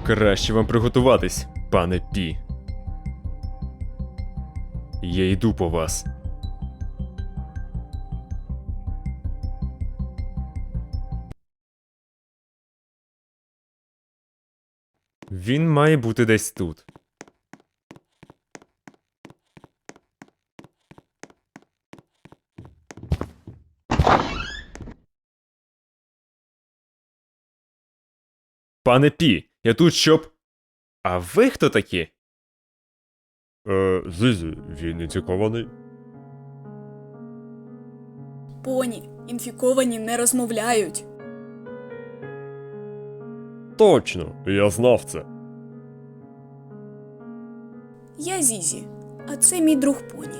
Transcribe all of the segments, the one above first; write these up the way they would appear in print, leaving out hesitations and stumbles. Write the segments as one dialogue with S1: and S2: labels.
S1: Краще вам приготуватись, пане Пі. Я йду по вас. Він має бути десь тут. Пане Пі, я тут щоб... А ви хто такі?
S2: Зізі, він інфікований.
S3: Поні, інфіковані не розмовляють.
S2: Точно, я знав це.
S3: Я Зізі, а це мій друг Поні.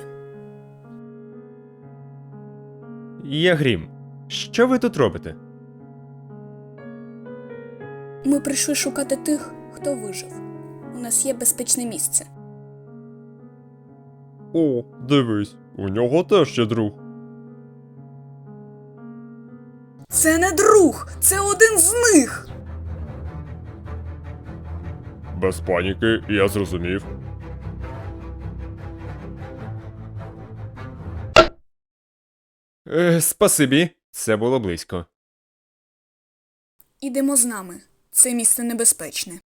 S1: Я Грім. Що ви тут робите?
S3: Ми прийшли шукати тих, хто вижив. У нас є безпечне місце.
S2: О, дивись, у нього теж є друг.
S3: Це не друг! Це один з них!
S2: Без паніки, я зрозумів.
S1: Спасибі. Це було близько.
S3: Ідемо з нами. Це місце небезпечне.